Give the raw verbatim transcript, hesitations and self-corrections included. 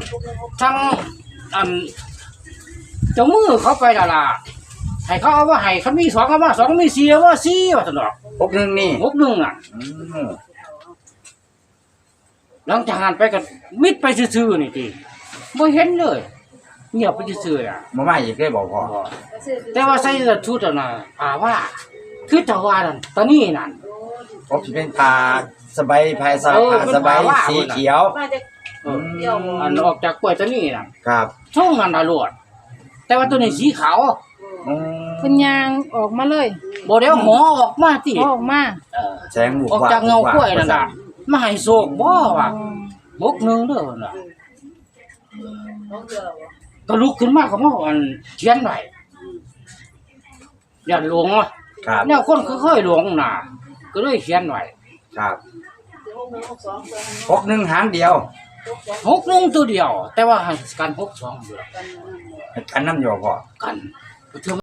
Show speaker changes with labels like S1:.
S1: ทั้งอันเจ้ามือเขาไปละล่ะให้เขาเอาว่าให้เขามีสองเอาว่าสองมีสี่เอาว่าสี่ว่าสนอก
S2: หกหนึ่งนี่
S1: หกหนึ่งอ่ะ
S2: อืม
S1: หลังจากนั้นไปกันมิดไปซื่อๆนี่ทีไม่เห็นเลยเงียบไปซื่อๆอ่ะ
S2: มาไม่อีกได้บอกพ่อ
S1: บ่แต่ว่าใส่เสื้อชุดน่ะป่าว่าคือจะว่านั่นตอนนี้นั่น
S2: ผมจะเป็นผ้าสบายผ้าสา
S1: เออ
S2: ผ้า
S1: เป็น
S2: สบาย
S1: ผ้าว่า
S2: สีเขียว
S3: มาจาก
S1: เออ
S3: เดียว
S1: อันออกจากกล้วยตัวนี้น่ะ
S2: ครับ
S1: ช่องนั้นน่ะรวดแต่ว่าตัวนี้สีขาว
S2: อืม
S4: เพิ่นยางออกมาเลย
S1: บ่เดี๋ยวหมอออกมาติ
S4: ออกมา
S1: เออ
S2: แสงบุก
S1: ออกจากเงากล้วยนั่นน่ะมาให้โศกบ่ว่าบกหนึงเด้อน่ะ
S3: น้องเดียว
S1: ก็ลุกขึ้นมาก็มาอันเขียนไว้อย่าหลงอ่ะ
S2: ครับ
S1: แนวคนเคยๆหลงน่ะก็เลยเขียนไว้
S2: ครับ
S3: หกหนึ่งหกสองเพื่อน
S2: หกหนึ่งหางเดียว
S3: หกสอง
S1: หกหนึงตัวเดียว แต่ว่าให้กันหกสองอยู่
S3: กัน
S2: กันน้ำโยพ่อ
S1: กัน